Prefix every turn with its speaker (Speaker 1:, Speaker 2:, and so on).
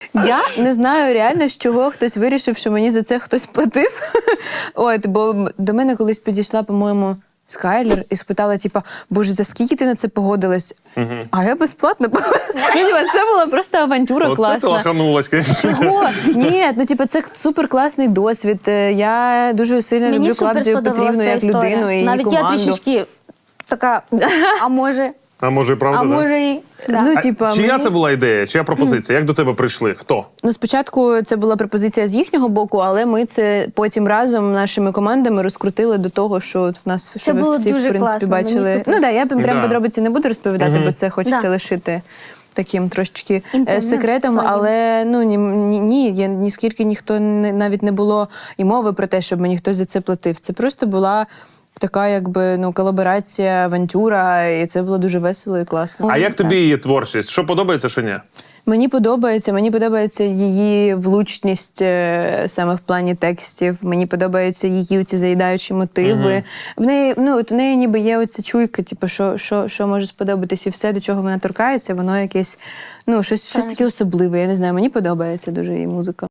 Speaker 1: Я не знаю реально, з чого хтось вирішив, що мені за це хтось платив. От, бо до мене колись підійшла, по-моєму, Скайлер і спитала, типа, боже, за скільки ти на це погодилась? А я безплатно погодилась. Це була просто авантюра класна.
Speaker 2: Оце ти лаханулась, звісно.
Speaker 1: Чого? Ні, ну типу, це супер класний досвід. Я дуже сильно люблю Клавдію Петрівну як людину і її
Speaker 3: навіть
Speaker 1: команду.
Speaker 3: я трішечки така, а може,
Speaker 2: А може і правда,
Speaker 3: а
Speaker 2: да?
Speaker 3: може і... Да.
Speaker 1: Ну, типа,
Speaker 2: Чия
Speaker 1: мені-
Speaker 2: це була ідея? Чия пропозиція? Як до тебе прийшли? Хто?
Speaker 1: Ну, спочатку це була пропозиція з їхнього боку, але ми це потім разом нашими командами розкрутили до того, що от в нас що ви
Speaker 3: було
Speaker 1: всі, в
Speaker 3: дуже
Speaker 1: принципі,
Speaker 3: класно, мені
Speaker 1: бачили.
Speaker 3: супер.
Speaker 1: Ну, да, я прям
Speaker 2: Да.
Speaker 1: подробиці не буду розповідати, бо це хочеться
Speaker 3: Да.
Speaker 1: лишити таким трошечки
Speaker 3: Інтимним
Speaker 1: секретом,
Speaker 3: своїм.
Speaker 1: але ну ні, ніскільки ніхто навіть не було і мови про те, щоб мені хтось за це платив. Це просто була така, якби, ну, колаборація, авантюра, і це було дуже весело і класно.
Speaker 2: А як тобі її творчість? Що подобається, що ні?
Speaker 1: Мені подобається її влучність саме в плані текстів. Мені подобаються її ці заїдаючі мотиви. В неї ніби є оця чуйка, типу, що може сподобатись, і все, до чого вона торкається, воно якесь, ну, щось таке особливе. Я не знаю, мені подобається дуже її музика.